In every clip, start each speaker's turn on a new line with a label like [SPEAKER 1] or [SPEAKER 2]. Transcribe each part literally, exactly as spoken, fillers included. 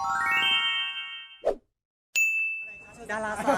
[SPEAKER 1] ดาราสาว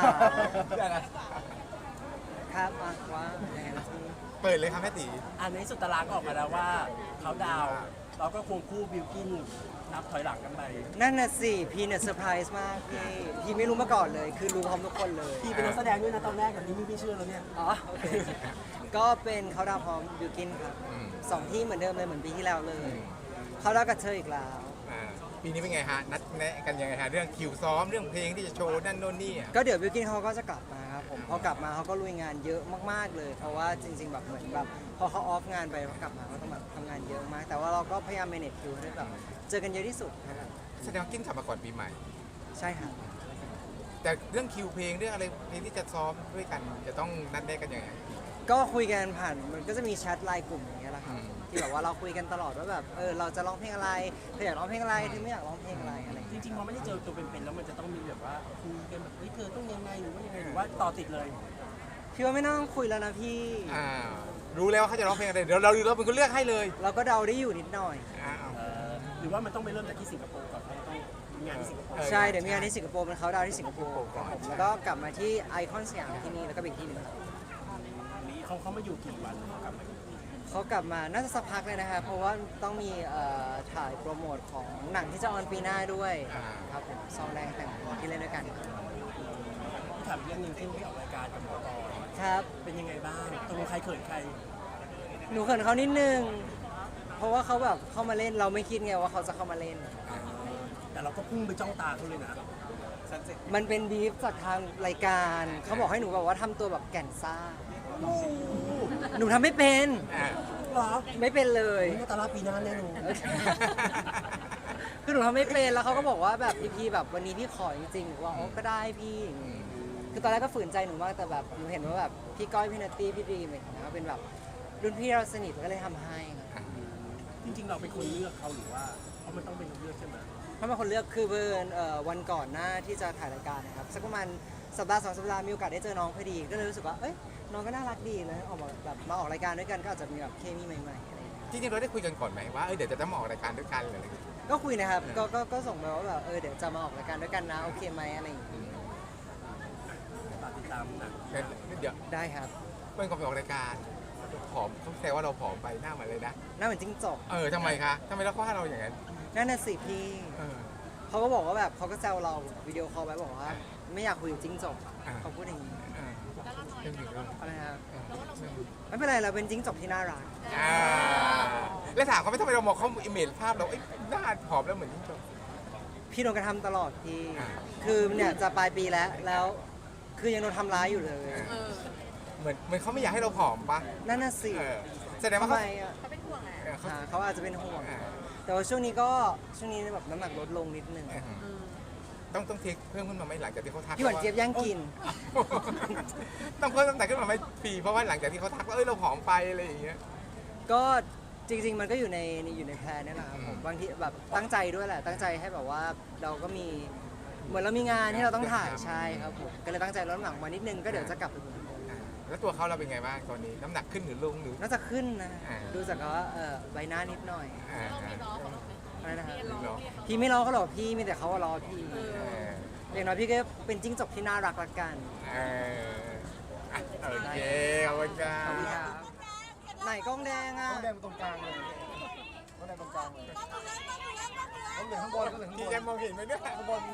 [SPEAKER 1] ครับอ่ะว่าไงล่ะพี่
[SPEAKER 2] เปิดเลยครับแม่ตี
[SPEAKER 3] อันนี้สุดตารางก็ออกมาแล้วว่าเขาดาวน์เราก็ควงคู่บิวกินนับถอยหลังกันไป
[SPEAKER 1] นั่นน่ะสิพี่เนี่ยเซอร์ไพรส์มากพี่พี่ไม่รู้มาก่อนเลย คือรู้พร้อมทุกคนเลย
[SPEAKER 3] พี่เป็นนักแสดงด้วยนะตอนแรกแบบนี้ไม่เชื่อแล้วเนี่ย
[SPEAKER 1] อ๋อโอเคก็เป็นเขาดาวพร้อมบิวกินครับสองที่เหมือนเดิมเลยเหมือนปีที่แล้วเลยเขาดาวกับเธออีกแล้ว
[SPEAKER 2] อ่าปีนี้เป็นไงฮะนัดแนะกันยังไงฮะเรื่องคิวซ้อมเรื่องเพลงที่จะโชว์นั่นโน่นนี่อ่ะ
[SPEAKER 1] ก็เดี๋ยวบิวกินเขาก็จะกลับมาครับผมพอกลับมาเขาก็ลุยงานเยอะมากๆเลย เพราะว่าจริง ๆแบบเหมือนแบบพอเขาออฟงานไปเขากลับมาเขาต้องแบบทำงานเยอะมาก แต่ว่าเราก็พยายาม manage คิวให้แบบเจอกันเยอะที่สุดครับ
[SPEAKER 2] แสดงว่ากินกลับมาก่อนปีใหม่
[SPEAKER 1] ใช่ครับ
[SPEAKER 2] แต่เรื่องคิวเพลงเรื่องอะไรเพลงที่จะซ้อมด้วยกันจะต้องนัดแนะกันยังไง
[SPEAKER 1] ก็คุยกันผ่านมันก็จะมีแชทไลน์กลุ่มอย่างเงี้ยแหละครับ
[SPEAKER 2] อืม
[SPEAKER 1] ที่แบบว่าเราคุยกันตลอดว่าแบบเออเราจะร้องเพลงอะไรเธออยากร้องเพลงอะไรเธอไม่อยากร้องเพลงอะไรอะไรอย่าง
[SPEAKER 3] จ
[SPEAKER 1] เงี้ย
[SPEAKER 3] ริงๆพอไม่ได้เจอตัวเป็นๆแล้วมันจะต้องมีแบบว่าคุยกันแบบเฮ้ยเธอต้องยังไงหรือว่ายังไงหรือว่าต่อติดเลย
[SPEAKER 1] พี่ว่าไม่ต้องคุยแล้วนะพี่
[SPEAKER 2] อ่ารู้แล้วว่าเขาจะร้องเพลงอะไรเดี๋ยวเราเราเป็นคนเลือกให้เลย
[SPEAKER 1] เราก็เดาได้อยู่นิดหน่อย
[SPEAKER 2] อ้าว
[SPEAKER 3] เออหรือว่ามันต้องไปเริ่มจากที่สิงคโปร์ก่อนเพราะมันต้องมีงานที่สิงคโปร์
[SPEAKER 2] เออ
[SPEAKER 1] ใช่เดี๋ยวมีงานที่สิงคโปร์เป็นเขาดาวน์ที่สิงคโปร์ครับผมแล้วก็กลับมาที่ไอคอนสยามที่นี่แล้วก็ไปอีกที่หนึ่ง
[SPEAKER 3] เขาเขามาอยู่กี่วันเขากลับมาอยู่
[SPEAKER 1] เขากลับมาน่าจะสักพักเลยนะครับเพราะว่าต้องมีเอ่อถ่ายโปรโมทของหนังที่จะออนปีหน้าด้วยครับผมซองแดงแต่งที่เล่นด้วยกัน
[SPEAKER 3] ถามเรื่องหนึงที่ไปออกรายการกับหมอปอ
[SPEAKER 1] ครับ
[SPEAKER 3] เป็นยังไงบ้างตกลงใครเขินใคร
[SPEAKER 1] หนูเขินเขานิดนึง เพราะว่าเขาแบบเข้ามาเล่นเราไม่คิดไงว่าเขาจะเข้ามาเล่น
[SPEAKER 3] แต่เราก็พุ่งไปจ้องตาเขาเลยนะ
[SPEAKER 1] มันเป็นบีฟจากทางรายการ เขาบอกให้หนูแบบว่าทำตัวแบบแก่นซ่า หนูทำไม่เป็น
[SPEAKER 2] อ่า
[SPEAKER 3] เหรอ
[SPEAKER 1] ไม่เป็นเลย
[SPEAKER 3] นี่ก็ตาลาปีหน้าแน่นอน
[SPEAKER 1] คือหนูทำไม่เป็นแล้วเขาก็บอกว่าแบบพี่พี่แบบวันนี้พี่ขอจริงๆหนูว่าโอ้ก็ได้พี่คือตอนแรกก็ฝืนใจหนูมากแต่แบบหนูเห็นว่าแบบพี่ก้อยพี่นัตตี้พี่ดีมอะไรอย่างเงี้ยเป็นแบบรุ่นพี่เราสนิทก็เลยทำให้ครับ
[SPEAKER 3] จริงๆเราเป็นคนเลือกเขาหรือว่าเพราะมันต้องเป็นคนเลือกใช่ไหม
[SPEAKER 1] เพราะเป็นคนเลือกคือเบิร์นเอ่อวันก่อนหน้าที่จะถ่ายรายการนะครับสักประมาณสัปดาห์สองสัปดาห์มีโอกาสได้เจอน้องพอดีก็เลยรู้สึกว่าเอ้ยน้องก็น่ารักดีเลยออกมาแบบมาออกรายการด้วยกันก็อาจจะมีแบบเคมีใหม่ๆอะไรอย่างเงี้ย
[SPEAKER 2] จริงๆเราได้คุยกันก่อนไหมว่าเออเดี๋ยวจะต้องมาออกรายการด้วยกันหรืออะไรอย่างเงี้ย
[SPEAKER 1] ก็คุยนะครับก็ก็ก็ส่งไปว่าแบบเออเดี๋ยวจะมาออกรายการด้วยกันนะโอเคไหมอะไรอย่างเงี้ย
[SPEAKER 3] ฝากติดตามหนัง
[SPEAKER 2] งั้นเดี๋ยว
[SPEAKER 1] ได้ครับ
[SPEAKER 2] เพื่อนก็ไปออกรายการผอมเขาแซวว่าเราผอมไปหน้าเหมือนเลยนะ
[SPEAKER 1] หน่าเหมือนจิ้งจก
[SPEAKER 2] เออทำไมคะทำไมเราว่าเราอย่างนั้น
[SPEAKER 1] นั่นน่ะสิพี่
[SPEAKER 2] เออ
[SPEAKER 1] เขาก็บอกว่าแบบเขาก็แซวเราวิดีโอคอลไปบอกว่าไม่อยากคุยกับจิ้งจก
[SPEAKER 2] อ่า
[SPEAKER 1] เขาพูดอย่างนี้
[SPEAKER 2] เออเรื่องอยู่ด้วย
[SPEAKER 1] อะไรครับ
[SPEAKER 2] เออ
[SPEAKER 1] ไม่เป็นไรเราเป็นจิ้งจกที่น่ารัก
[SPEAKER 2] อ่าแล้วถามเขาไม่ทำไมเรามองเขาอิมเมจภาพเราเอ้ยหน้าผอมแล้วเหมือนจิ้งจก
[SPEAKER 1] พี่โดนกระทำตลอดพี่
[SPEAKER 2] อ่า
[SPEAKER 1] คือเนี่ยจะปลายปีแล้วแล้วคือยังโดนทำร้ายอยู่เลย
[SPEAKER 2] เหมือนเหมือนเขาไม่อยากให้เราผอมปะ
[SPEAKER 1] นั่นน่ะสิ
[SPEAKER 2] เออแสดงว่า
[SPEAKER 1] ทำ
[SPEAKER 2] เขา
[SPEAKER 1] ไมอ่ะ
[SPEAKER 2] เออเขา
[SPEAKER 1] อ่าเขาอาจจะเป็นห่วง
[SPEAKER 2] อ่า
[SPEAKER 1] แต่ว่าช่วงนี้ก็ช่วงนี้แบบน้ำหนักลดลงนิดนึง
[SPEAKER 2] เออต้องต้องเทคเพิ่มขึ้นมาไหมหลังจากที่เขาทัก
[SPEAKER 1] พี่หวานเจี๊ยบย่างกิน
[SPEAKER 2] ต้องเพิ่มน้ำหนักขึ้นมาไหมปีเพราะว่าหลังจากที่เขาทักว่าเอ้ยเราผอมไปอะไรอย่างเงี้ย
[SPEAKER 1] ก็จริง ๆ มันก็อยู่ในอยู่ในแพลนนี่แหละครับผม
[SPEAKER 2] อืม
[SPEAKER 1] บางทีแบบตั้งใจด้วยแหละ ตั้งใจให้แบบว่าเราก็มีเหมือนเรามีงานที่เราต้องถ่ายใช่ครับผมก็เลยตั้งใจลดน้ำหนักมานิดนึงก็เดี๋ยวจะกลับไปเหมือนเดิม
[SPEAKER 2] อ่าแล้วตัวเขาเราเป็นไงบ้างตอนนี้น้ำหนักขึ้นหรือลงหรือ
[SPEAKER 1] น่าจะขึ้นนะ
[SPEAKER 2] อ่า
[SPEAKER 1] ดูจากว่าเออใบหน้านิดหน่อย
[SPEAKER 2] อ่าอ่า
[SPEAKER 1] อะไรนะครับ
[SPEAKER 2] เนาะ
[SPEAKER 1] พี่ไม่รอเขาหรอกพี่มีแต่เขาว่ารอพี่
[SPEAKER 2] เออ
[SPEAKER 1] อย่างน้อยพี่ก็เป็นจิ้งจกที่น่ารักละกัน
[SPEAKER 2] เอออ่ะโอเคขอบคุณครั
[SPEAKER 1] ขอบคุณ
[SPEAKER 2] บ
[SPEAKER 1] ครับไหนกล้องแดงอ่ะ
[SPEAKER 4] ต้องแดงตรงกลางเลยต้องแดงตรงกลางเลยต้องเหลืองข้างบนก็เหลืองข้าง
[SPEAKER 2] พี่
[SPEAKER 4] บ
[SPEAKER 2] แก
[SPEAKER 4] น
[SPEAKER 2] มองเห็นไหมเนี่ย
[SPEAKER 4] ข้างบน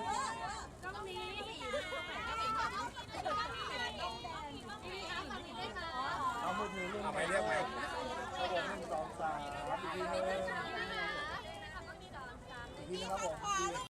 [SPEAKER 4] เอามือถือเรื่อง
[SPEAKER 2] เอาไปเรียกไหม
[SPEAKER 4] ข้างบนหนึ่งสองสามอีกทีนึงอีกทีนึงครับผม